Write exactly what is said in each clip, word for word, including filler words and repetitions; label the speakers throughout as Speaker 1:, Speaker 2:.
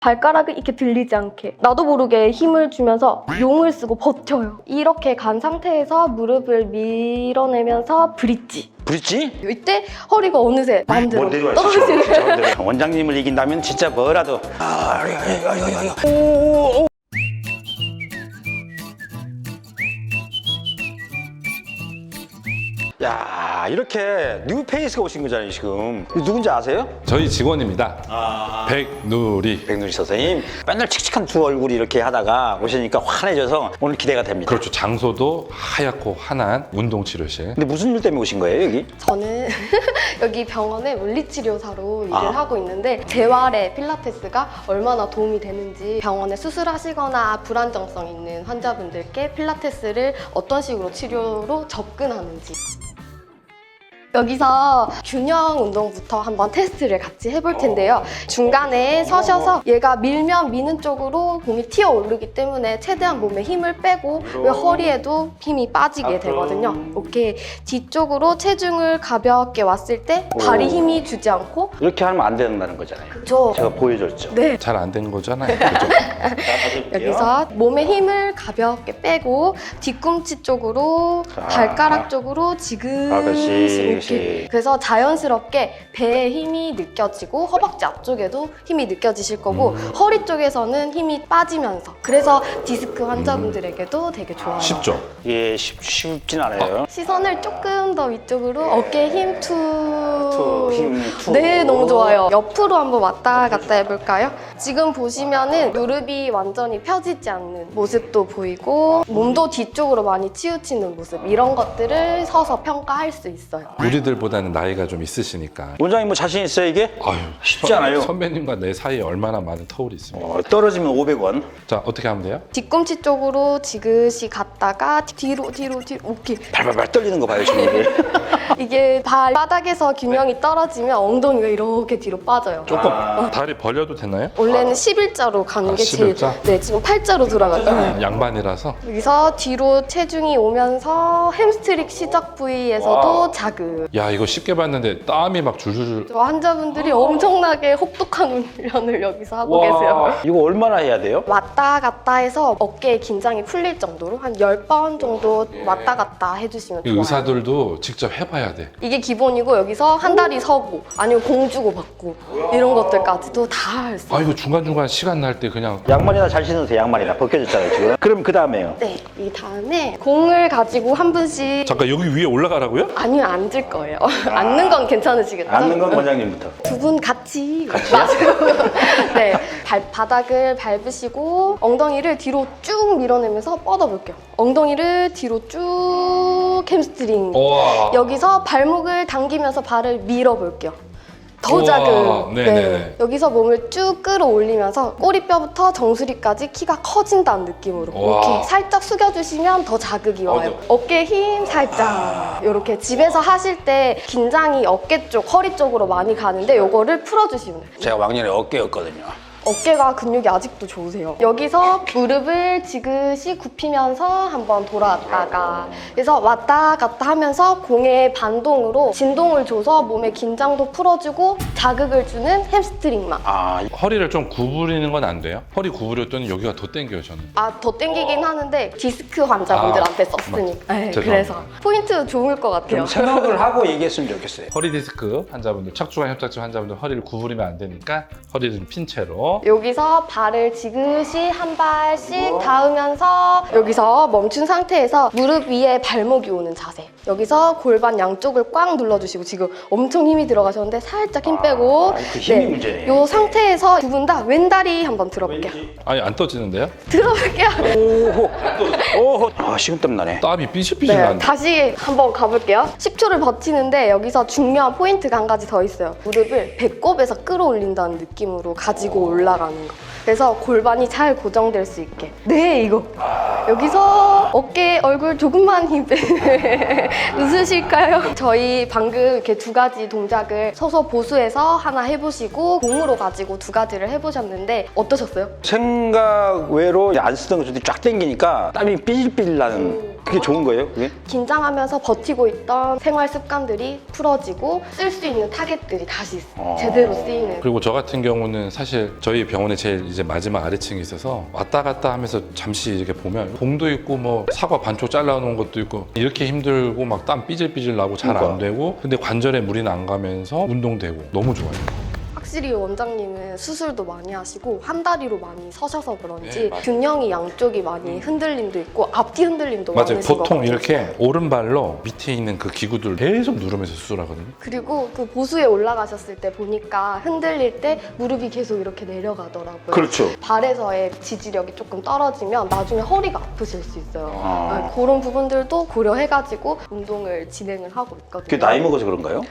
Speaker 1: 발가락을 이렇게 들리지 않게 나도 모르게 힘을 주면서 용을 쓰고 버텨요. 이렇게 간 상태에서 무릎을 밀어내면서 브릿지.
Speaker 2: 브릿지?
Speaker 1: 이때 허리가 어느새 마음대로 떨어지는.
Speaker 2: 원장님을 이긴다면 진짜 뭐라도. 아, 오, 오, 오. 야, 이렇게 뉴페이스가 오신 거잖아요, 지금. 누군지 아세요?
Speaker 3: 저희 직원입니다.
Speaker 2: 아,
Speaker 3: 백누리.
Speaker 2: 백누리 선생님. 맨날 칙칙한 두 얼굴이 이렇게 하다가 오시니까 환해져서 오늘 기대가 됩니다.
Speaker 3: 그렇죠. 장소도 하얗고 환한 운동치료실.
Speaker 2: 근데 무슨 일 때문에 오신 거예요, 여기?
Speaker 1: 저는 여기 병원에 물리치료사로 일을
Speaker 2: 아.
Speaker 1: 하고 있는데 재활에 필라테스가 얼마나 도움이 되는지, 병원에 수술하시거나 불안정성 있는 환자분들께 필라테스를 어떤 식으로 치료로 접근하는지, 여기서 균형 운동부터 한번 테스트를 같이 해볼 텐데요. 중간에 서셔서 얘가 밀면 미는 쪽으로 몸이 튀어 오르기 때문에 최대한 몸에 힘을 빼고 왜 허리에도 힘이 빠지게 되거든요. 오케이. 뒤쪽으로 체중을 가볍게 왔을 때 발이 힘이 주지 않고,
Speaker 2: 이렇게 하면 안 된다는 거잖아요.
Speaker 1: 그쵸?
Speaker 2: 제가 보여줬죠.
Speaker 1: 네.
Speaker 3: 잘 안 된 거잖아요. 그렇죠?
Speaker 2: 자, 다시 볼게요.
Speaker 1: 여기서 몸에 힘을 가볍게 빼고 뒤꿈치 쪽으로,
Speaker 2: 자.
Speaker 1: 발가락 쪽으로
Speaker 2: 아,
Speaker 1: 지그시
Speaker 2: 그렇지.
Speaker 1: 이렇게. 그래서 자연스럽게 배에 힘이 느껴지고 허벅지 앞쪽에도 힘이 느껴지실 거고
Speaker 3: 음.
Speaker 1: 허리 쪽에서는 힘이 빠지면서, 그래서 디스크 환자분들에게도 되게 좋아요.
Speaker 3: 쉽죠?
Speaker 2: 이게 쉽, 쉽진 않아요.
Speaker 1: 시선을 조금 더 위쪽으로, 어깨 힘 투.
Speaker 2: 투, 힘 투.
Speaker 1: 네, 너무 좋아요. 옆으로 한번 왔다 갔다 해볼까요? 지금 보시면은 무릎이 완전히 펴지지 않는 모습도 보이고 몸도 뒤쪽으로 많이 치우치는 모습, 이런 것들을 서서 평가할 수 있어요.
Speaker 3: 우리들보다는 나이가 좀 있으시니까.
Speaker 2: 원장님 뭐 자신 있어요, 이게?
Speaker 3: 아유,
Speaker 2: 쉽지
Speaker 3: 선-
Speaker 2: 않아요.
Speaker 3: 선배님과 내 사이에 얼마나 많은 터울이 있습니까?
Speaker 2: 어, 떨어지면 오백 원.
Speaker 3: 자, 어떻게 하면 돼요?
Speaker 1: 뒤꿈치 쪽으로 지그시 갔다가 뒤로 뒤로 뒤로. 오케이.
Speaker 2: 발발발 떨리는 거 봐요, 지금. 이게.
Speaker 1: 이게 발바닥에서 균형이 떨어지면 엉덩이가 이렇게 뒤로 빠져요.
Speaker 3: 조금 다리 벌려도 되나요?
Speaker 1: 원래는 십일자로 가는
Speaker 3: 아,
Speaker 1: 게 제일.
Speaker 3: 십일자?
Speaker 1: 네, 지금 팔자로 돌아가요.
Speaker 3: 양반이라서.
Speaker 1: 여기서 뒤로 체중이 오면서 햄스트링 시작 부위에서도
Speaker 2: 와우.
Speaker 1: 자극.
Speaker 3: 야, 이거 쉽게 봤는데 땀이 막 줄줄줄.
Speaker 1: 저 환자분들이 엄청나게 혹독한 훈련을 여기서 하고 계세요.
Speaker 2: 이거 얼마나 해야 돼요?
Speaker 1: 왔다 갔다 해서 어깨에 긴장이 풀릴 정도로 한 열 번 정도 왔다 갔다 해주시면
Speaker 3: 이
Speaker 1: 좋아요.
Speaker 3: 의사들도 직접 해봐야 돼.
Speaker 1: 이게 기본이고, 여기서 한 다리 서고 아니면 공 주고 받고 이런 것들까지도 다 할 수 있어요.
Speaker 3: 아, 이거 중간중간 시간 날 때 그냥.
Speaker 2: 양말이나 잘 신으세요, 양말이나. 벗겨졌잖아요, 지금. 그럼 그 다음에요.
Speaker 1: 네, 이 다음에 공을 가지고 한 분씩.
Speaker 3: 잠깐 여기 위에 올라가라고요?
Speaker 1: 아니요, 앉을 거예요. 앉는 건 괜찮으시겠죠?
Speaker 2: 앉는 건 원장님부터.
Speaker 1: 두 분 같이 마시고 네, 발바닥을 밟으시고 엉덩이를 뒤로 쭉 밀어내면서 뻗어볼게요. 엉덩이를 뒤로 쭉 햄스트링.
Speaker 3: 와.
Speaker 1: 여기서 발목을 당기면서 발을 밀어볼게요. 더
Speaker 3: 우와,
Speaker 1: 자극.
Speaker 3: 네네네.
Speaker 1: 여기서 몸을 쭉 끌어올리면서 꼬리뼈부터 정수리까지 키가 커진다는 느낌으로
Speaker 3: 우와.
Speaker 1: 이렇게 살짝 숙여주시면 더 자극이 와요.
Speaker 3: 어,
Speaker 1: 어깨 힘 살짝. 이렇게 집에서 하실 때 긴장이 어깨 쪽, 허리 쪽으로 많이 가는데 요거를 풀어주시면 돼요.
Speaker 2: 제가 왕년에 어깨였거든요.
Speaker 1: 어깨가 근육이 아직도 좋으세요. 여기서 무릎을 지그시 굽히면서 한번 돌아왔다가, 그래서 왔다 갔다 하면서 공의 반동으로 진동을 줘서 몸의 긴장도 풀어주고 자극을 주는 햄스트링만.
Speaker 2: 아,
Speaker 3: 허리를 좀 구부리는 건 안 돼요? 허리 구부렸더니 여기가 더 땡겨요, 저는.
Speaker 1: 아, 더 땡기긴 하는데 디스크 환자분들한테
Speaker 3: 아,
Speaker 1: 썼으니까. 네,
Speaker 3: 죄송합니다.
Speaker 1: 그래서 포인트 좋을 것 같아요.
Speaker 2: 좀 생각을 하고 얘기했으면 좋겠어요.
Speaker 3: 허리 디스크 환자분들, 척추관 협착증 환자분들 허리를 구부리면 안 되니까 허리를 좀 핀 채로.
Speaker 1: 여기서 발을 지그시 한 발씩 닿으면서 여기서 멈춘 상태에서 무릎 위에 발목이 오는 자세. 여기서 골반 양쪽을 꽉 눌러주시고, 지금 엄청 힘이 들어가셨는데 살짝 힘 빼고.
Speaker 2: 아, 그 힘이 문제네.
Speaker 1: 이 상태에서 두 분 다 왼다리 한번 들어볼게요.
Speaker 3: 아니, 안 떠지는데요?
Speaker 1: 들어볼게요.
Speaker 2: 오호. 오호. 아, 식은땀 나네.
Speaker 3: 땀이 삐질삐질
Speaker 1: 네,
Speaker 3: 나는데.
Speaker 1: 다시 한번 가볼게요. 십 초를 버티는데 여기서 중요한 포인트가 한 가지 더 있어요. 무릎을 배꼽에서 끌어올린다는 느낌으로 가지고 올라가는 거. 그래서 골반이 잘 고정될 수 있게. 네, 이거. 여기서 어깨, 얼굴 조금만 힘 빼. 웃으실까요? 저희 방금 이렇게 두 가지 동작을 서서 보수해서 하나 해보시고 공으로 가지고 두 가지를 해보셨는데 어떠셨어요?
Speaker 2: 생각 외로 안 쓰던 것들이 쫙 땡기니까 땀이 삐질삐질 나는 그게 좋은 거예요, 그게?
Speaker 1: 긴장하면서 버티고 있던 생활 습관들이 풀어지고 쓸 수 있는 타겟들이 다시
Speaker 2: 어.
Speaker 1: 제대로 쓰이는.
Speaker 3: 그리고 저 같은 경우는 사실 저희 병원에 제일 이제 마지막 아래층에 있어서 왔다 갔다 하면서 잠시 이렇게 보면 봉도 있고 뭐 사과 반쪽 잘라놓은 것도 있고 이렇게 힘들고 막 땀 삐질삐질 나고 잘 안
Speaker 2: 그러니까.
Speaker 3: 되고 근데 관절에 무리는 안 가면서 운동되고 너무 좋아요.
Speaker 1: 확실히 원장님은 수술도 많이 하시고 한 다리로 많이 서셔서 그런지
Speaker 3: 네, 맞아요.
Speaker 1: 균형이 양쪽이 많이 흔들림도 있고 앞뒤 흔들림도
Speaker 3: 맞아요.
Speaker 1: 많으신 것
Speaker 3: 보통
Speaker 1: 같아요.
Speaker 3: 이렇게 오른발로 밑에 있는 그 기구들 계속 누르면서 수술하거든요.
Speaker 1: 그리고 그 보수에 올라가셨을 때 보니까 흔들릴 때 무릎이 계속 이렇게 내려가더라고요.
Speaker 2: 그렇죠.
Speaker 1: 발에서의 지지력이 조금 떨어지면 나중에 허리가 아프실 수 있어요.
Speaker 2: 아.
Speaker 1: 네, 그런 부분들도 고려해가지고 운동을 진행을 하고 있거든요.
Speaker 2: 그게 나이 먹어서 그런가요?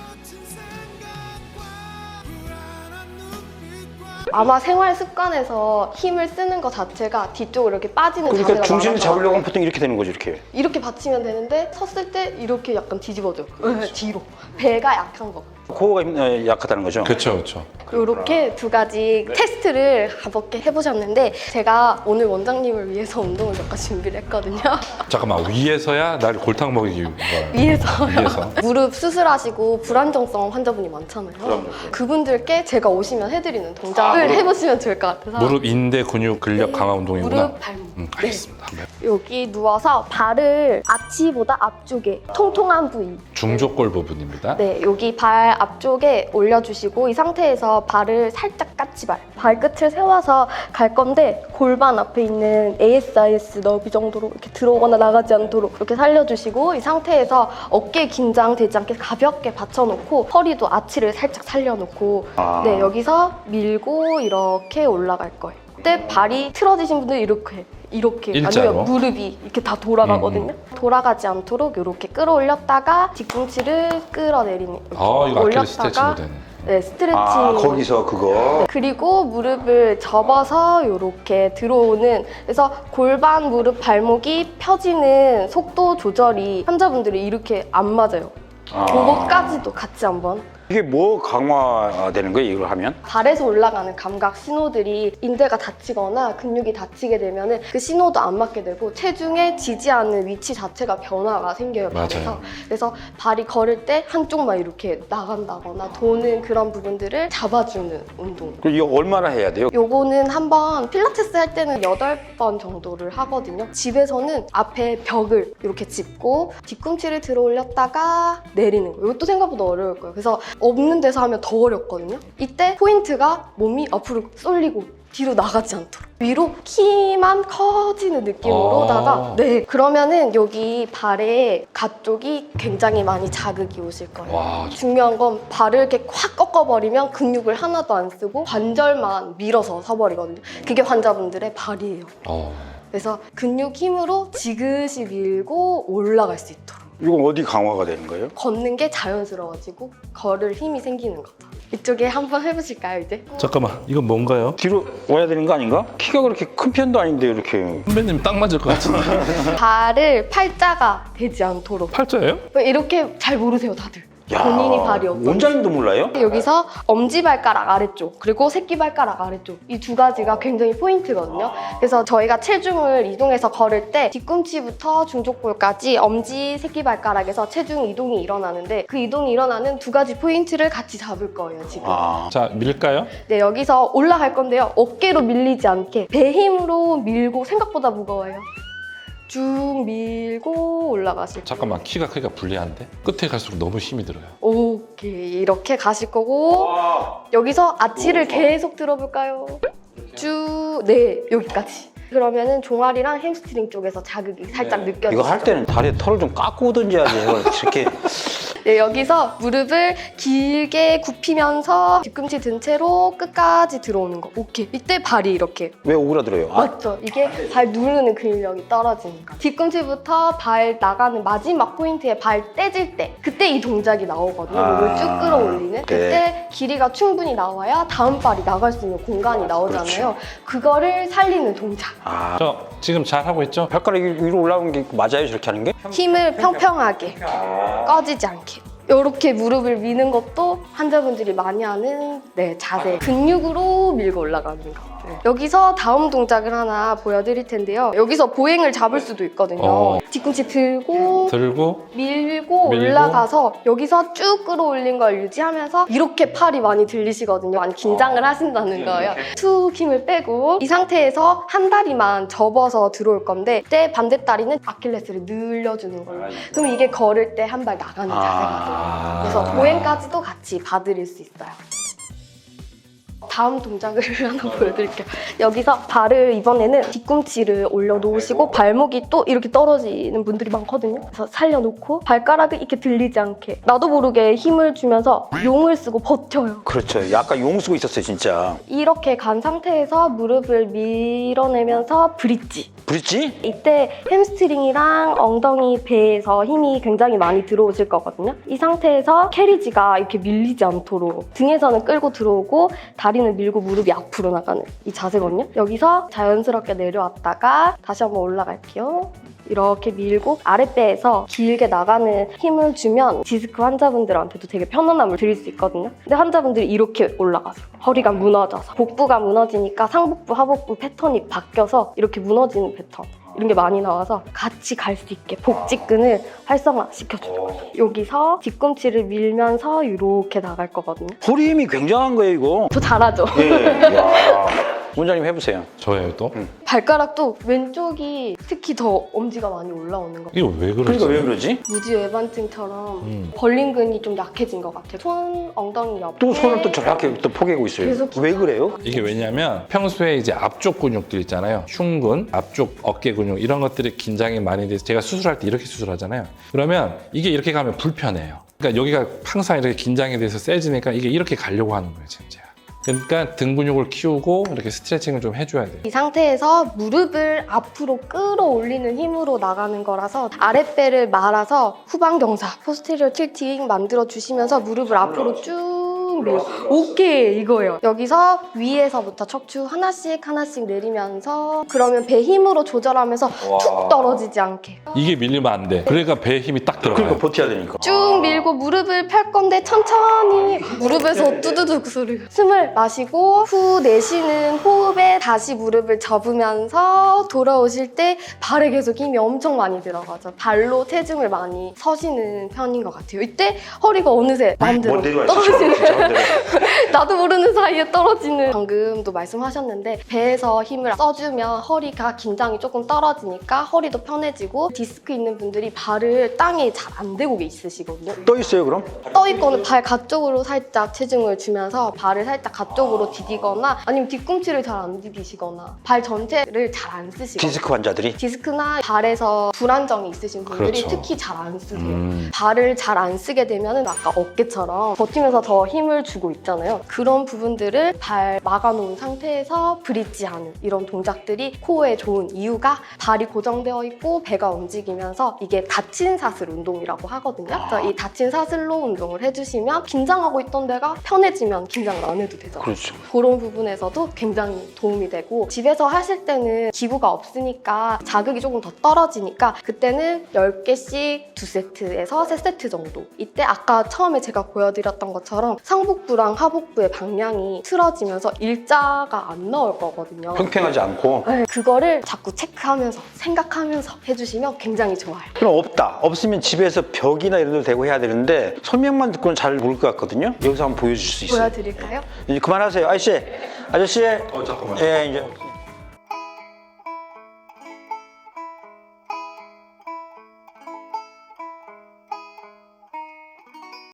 Speaker 1: 아마 생활 습관에서 힘을 쓰는 것 자체가 뒤쪽으로 이렇게 빠지는
Speaker 2: 그러니까
Speaker 1: 자세가
Speaker 2: 중심을
Speaker 1: 많아서
Speaker 2: 잡으려고 하면 보통 이렇게 되는 거죠, 이렇게.
Speaker 1: 이렇게 받치면 되는데 섰을 때 이렇게 약간 뒤집어져요. 네, 뒤로. 배가 약한 거.
Speaker 2: 코어가 힘- 어, 약하다는 거죠?
Speaker 3: 그렇죠, 그렇죠.
Speaker 1: 이렇게 두 가지 테스트를 가볍게 해보셨는데 제가 오늘 원장님을 위해서 운동을 몇 가지 준비를 했거든요.
Speaker 3: 잠깐만 위에서야 날 골탕 먹이기 위한
Speaker 1: 위에서요.
Speaker 3: 위에서.
Speaker 1: 무릎 수술하시고 불안정성 환자분이 많잖아요.
Speaker 2: 그럼요.
Speaker 1: 그분들께 제가 오시면 해드리는 동작을
Speaker 2: 아, 무릎.
Speaker 1: 해보시면 좋을 것 같아서.
Speaker 3: 무릎 인대 근육 근력 강화 운동이구나.
Speaker 1: 무릎, 발목.
Speaker 3: 음, 알겠습니다. 한번 해볼게요.
Speaker 1: 여기 누워서 발을 아치보다 앞쪽에 통통한 부위.
Speaker 3: 중족골 부분입니다.
Speaker 1: 네, 여기 발 앞쪽에 올려주시고 이 상태에서 발을 살짝 까치발, 발끝을 세워서 갈 건데 골반 앞에 있는 에이에스아이에스 너비 정도로 이렇게 들어오거나 나가지 않도록 이렇게 살려주시고 이 상태에서 어깨 긴장되지 않게 가볍게 받쳐놓고 허리도 아치를 살짝 살려놓고
Speaker 2: 아.
Speaker 1: 네, 여기서 밀고 이렇게 올라갈 거예요. 그때 발이 틀어지신 분들 이렇게 이렇게
Speaker 3: 일자로?
Speaker 1: 아니면 무릎이 이렇게 다 돌아가거든요. 돌아가지 않도록 이렇게 끌어올렸다가 뒤꿈치를 끌어내리는 이렇게
Speaker 3: 아, 이거 아킬레스 스트레칭도 되네.
Speaker 1: 네, 스트레칭.
Speaker 2: 아, 거기서 그거.
Speaker 1: 그리고 무릎을 접어서 이렇게 들어오는 그래서 골반, 무릎, 발목이 펴지는 속도 조절이 환자분들이 이렇게 안 맞아요.
Speaker 2: 아.
Speaker 1: 그것까지도 같이 한번.
Speaker 2: 이게 뭐 강화되는 거예요, 이걸 하면?
Speaker 1: 발에서 올라가는 감각 신호들이 인대가 다치거나 근육이 다치게 되면 그 신호도 안 맞게 되고 체중에 지지하는 위치 자체가 변화가 생겨요, 발에서.
Speaker 3: 맞아요.
Speaker 1: 그래서 발이 걸을 때 한쪽만 이렇게 나간다거나 도는 그런 부분들을 잡아주는 운동.
Speaker 2: 그럼 이거 얼마나 해야 돼요?
Speaker 1: 요거는 한번 필라테스 할 때는 여덟 번 정도를 하거든요. 집에서는 앞에 벽을 이렇게 짚고 뒤꿈치를 들어 올렸다가 내리는 거예요. 이것도 생각보다 어려울 거예요. 그래서 없는 데서 하면 더 어렵거든요. 이때 포인트가 몸이 앞으로 쏠리고 뒤로 나가지 않도록 위로 키만 커지는 느낌으로다가
Speaker 3: 아.
Speaker 1: 네, 그러면은 여기 발에 가쪽이 굉장히 많이 자극이 오실 거예요.
Speaker 3: 와,
Speaker 1: 중요한 건 발을 이렇게 확 꺾어버리면 근육을 하나도 안 쓰고 관절만 밀어서 서버리거든요. 그게 환자분들의 발이에요.
Speaker 3: 어.
Speaker 1: 그래서 근육 힘으로 지그시 밀고 올라갈 수 있도록.
Speaker 2: 이건 어디 강화가 되는 거예요?
Speaker 1: 걷는 게 자연스러워지고 걸을 힘이 생기는 거죠. 이쪽에 한번 해보실까요, 이제?
Speaker 3: 잠깐만, 이건 뭔가요?
Speaker 2: 뒤로 와야 되는 거 아닌가? 키가 그렇게 큰 편도 아닌데 이렇게.
Speaker 3: 선배님 딱 맞을 것 같은데.
Speaker 1: 발을 팔자가 되지 않도록.
Speaker 3: 팔자예요?
Speaker 1: 왜 이렇게 잘 모르세요, 다들? 본인이 발이 없어요.
Speaker 2: 원장님도 몰라요?
Speaker 1: 여기서 엄지발가락 아래쪽 그리고 새끼발가락 아래쪽 이 두 가지가 굉장히 포인트거든요. 그래서 저희가 체중을 이동해서 걸을 때 뒤꿈치부터 중족골까지 엄지, 새끼발가락에서 체중 이동이 일어나는데 그 이동이 일어나는 두 가지 포인트를 같이 잡을 거예요, 지금.
Speaker 2: 아.
Speaker 3: 자, 밀까요?
Speaker 1: 네, 여기서 올라갈 건데요. 어깨로 밀리지 않게 배 힘으로 밀고 생각보다 무거워요. 쭉 밀고 올라가실 거예요.
Speaker 3: 잠깐만, 키가 크기가 불리한데? 끝에 갈수록 너무 힘이 들어요.
Speaker 1: 오케이, 이렇게 가실 거고 여기서 아치를 계속 들어볼까요? 쭉, 네, 여기까지. 그러면은 종아리랑 햄스트링 쪽에서 자극이 살짝 느껴지죠.
Speaker 2: 이거 할 때는 다리에 털을 좀 깎고 오든지 하지. 이걸 이렇게.
Speaker 1: 네, 여기서 무릎을 길게 굽히면서 뒤꿈치 든 채로 끝까지 들어오는 거. 오케이. 이때 발이 이렇게.
Speaker 2: 왜 오그라들어요? 아,
Speaker 1: 맞죠? 이게 발 누르는 근력이 떨어지니까. 뒤꿈치부터 발 나가는 마지막 포인트에 발 떼질 때 그때 이 동작이 나오거든요.
Speaker 2: 아,
Speaker 1: 무릎을 쭉 끌어올리는. 그때
Speaker 2: 네.
Speaker 1: 길이가 충분히 나와야 다음 발이 나갈 수 있는 공간이 나오잖아요. 그거를 살리는 동작.
Speaker 2: 아.
Speaker 3: 저 지금 잘 하고 있죠?
Speaker 2: 발가락이 위로 올라오는 게 맞아요? 저렇게 하는 게?
Speaker 1: 힘을 평평하게 꺼지지 않게 이렇게 무릎을 미는 것도 환자분들이 많이 하는 네, 자세 근육으로 밀고 올라가는 거. 네. 여기서 다음 동작을 하나 보여드릴 텐데요. 여기서 보행을 잡을 수도 있거든요.
Speaker 3: 어.
Speaker 1: 뒤꿈치 들고
Speaker 3: 들고
Speaker 1: 밀고,
Speaker 3: 밀고.
Speaker 1: 올라가서 여기서 쭉 끌어올린 걸 유지하면서 이렇게 팔이 많이 들리시거든요. 많이 긴장을 하신다는 거예요. 툭 힘을 빼고 이 상태에서 한 다리만 접어서 들어올 건데 그때 반대 다리는 아킬레스를 늘려주는 걸로. 그럼 이게 걸을 때 한 발 나가는 자세가 돼요.
Speaker 2: 아.
Speaker 1: 그래서 보행까지도 같이 봐드릴 수 있어요. 다음 동작을 하나 보여드릴게요. 여기서 발을 이번에는 뒤꿈치를 올려놓으시고 발목이 또 이렇게 떨어지는 분들이 많거든요. 그래서 살려놓고 발가락을 이렇게 들리지 않게 나도 모르게 힘을 주면서 용을 쓰고 버텨요.
Speaker 2: 그렇죠. 약간 용 쓰고 있었어요, 진짜.
Speaker 1: 이렇게 간 상태에서 무릎을 밀어내면서 브릿지.
Speaker 2: 브릿지?
Speaker 1: 이때 햄스트링이랑 엉덩이, 배에서 힘이 굉장히 많이 들어오실 거거든요. 이 상태에서 캐리지가 이렇게 밀리지 않도록 등에서는 끌고 들어오고 다리는 밀고 무릎이 앞으로 나가는 이 자세거든요. 여기서 자연스럽게 내려왔다가 다시 한번 올라갈게요. 이렇게 밀고 아랫배에서 길게 나가는 힘을 주면 디스크 환자분들한테도 되게 편안함을 드릴 수 있거든요. 근데 환자분들이 이렇게 올라가세요. 허리가 무너져서 복부가 무너지니까 상복부, 하복부 패턴이 바뀌어서 이렇게 무너지는 패턴 이런 게 많이 나와서 같이 갈 수 있게 복직근을 활성화시켜줘요. 여기서 뒤꿈치를 밀면서 이렇게 나갈 거거든요.
Speaker 2: 허리 힘이 굉장한 거예요, 이거.
Speaker 1: 저 잘하죠?
Speaker 2: 예. 와. 원장님 해보세요.
Speaker 3: 저예요 또?
Speaker 2: 응.
Speaker 1: 발가락도 왼쪽이 특히 더 엄지가 많이 올라오는 거.
Speaker 3: 이거 왜 그러지?
Speaker 2: 그러니까 왜 그러지?
Speaker 1: 무지외반증처럼
Speaker 3: 음.
Speaker 1: 벌린근이 좀 약해진 것 같아요. 손, 엉덩이 옆에
Speaker 2: 또 손을 또 저렇게 또 포개고 있어요.
Speaker 1: 계속
Speaker 2: 왜 그래요?
Speaker 3: 이게 왜냐면 평소에 이제 앞쪽 근육들 있잖아요. 흉근, 앞쪽 어깨 근육 이런 것들이 긴장이 많이 돼서 제가 수술할 때 이렇게 수술하잖아요. 그러면 이게 이렇게 가면 불편해요. 그러니까 여기가 항상 이렇게 긴장이 돼서 세지니까 이게 이렇게 가려고 하는 거예요, 지금 제가. 그러니까 등 근육을 키우고 이렇게 스트레칭을 좀 해줘야 돼요.
Speaker 1: 이 상태에서 무릎을 앞으로 끌어올리는 힘으로 나가는 거라서 아랫배를 말아서 후방경사, 포스테리어 틸팅 만들어주시면서 무릎을 앞으로 쭉 밀어. 오케이, 이거예요. 여기서 위에서부터 척추 하나씩 하나씩 내리면서 그러면 배 힘으로 조절하면서 툭 떨어지지 않게
Speaker 3: 이게 밀리면 안 돼. 그러니까 배에 힘이 딱 들어가요.
Speaker 2: 그러니까 버텨야 되니까.
Speaker 1: 쭉 밀고 무릎을 펼 건데 천천히 무릎에서 뚜두둑 소리가. 숨을 마시고 후 내쉬는 호흡에 다시 무릎을 접으면서 돌아오실 때 발에 계속 힘이 엄청 많이 들어가죠. 발로 체중을 많이 서시는 편인 것 같아요. 이때 허리가 어느새 마음대로
Speaker 2: 뭐 내려와
Speaker 1: 떨어지는
Speaker 2: 있어.
Speaker 1: 나도 모르는 사이에 떨어지는. 방금도 말씀하셨는데 배에서 힘을 써주면 허리가 긴장이 조금 떨어지니까 허리도 편해지고 디스크 있는 분들이 발을 땅에 잘 안 대고 있으시거든요.
Speaker 2: 떠 있어요, 그럼?
Speaker 1: 떠 있거나 발 가쪽으로 살짝 체중을 주면서 발을 살짝 가쪽으로 디디거나 아니면 뒤꿈치를 잘 안 디디시거나 발 전체를 잘 안 쓰시거나
Speaker 2: 디스크 환자들이?
Speaker 1: 디스크나 발에서 불안정이 있으신 분들이
Speaker 3: 그렇죠.
Speaker 1: 특히 잘 안 쓰세요.
Speaker 3: 음.
Speaker 1: 발을 잘 안 쓰게 되면 아까 어깨처럼 버티면서 더 힘을 주고 있잖아요. 그런 부분들을 발 막아놓은 상태에서 브릿지하는 이런 동작들이 코어에 좋은 이유가 발이 고정되어 있고 배가 움직이면서 이게 닫힌 사슬 운동이라고 하거든요. 그래서 이 닫힌 사슬로 운동을 해주시면 긴장하고 있던 데가 편해지면 긴장을 안 해도 되잖아요.
Speaker 2: 그렇죠.
Speaker 1: 그런 부분에서도 굉장히 도움이 되고 집에서 하실 때는 기구가 없으니까 자극이 조금 더 떨어지니까 그때는 열 개씩 두 세트에서 세 세트 정도. 이때 아까 처음에 제가 보여드렸던 것처럼 상복부랑 하복부의 방향이 틀어지면서 일자가 안 나올 거거든요.
Speaker 2: 평평하지 않고.
Speaker 1: 네, 그거를 자꾸 체크하면서 생각하면서 해주시면 굉장히 좋아요.
Speaker 2: 그럼 없다. 없으면 집에서 벽이나 이런 데 대고 해야 되는데 설명만 듣고는 잘 모를 것 같거든요. 여기서 한번 보여줄 수 있어요.
Speaker 1: 보여드릴까요?
Speaker 2: 이제 그만하세요. 아저씨, 아저씨.
Speaker 3: 어, 잠깐만.
Speaker 2: 예, 이제.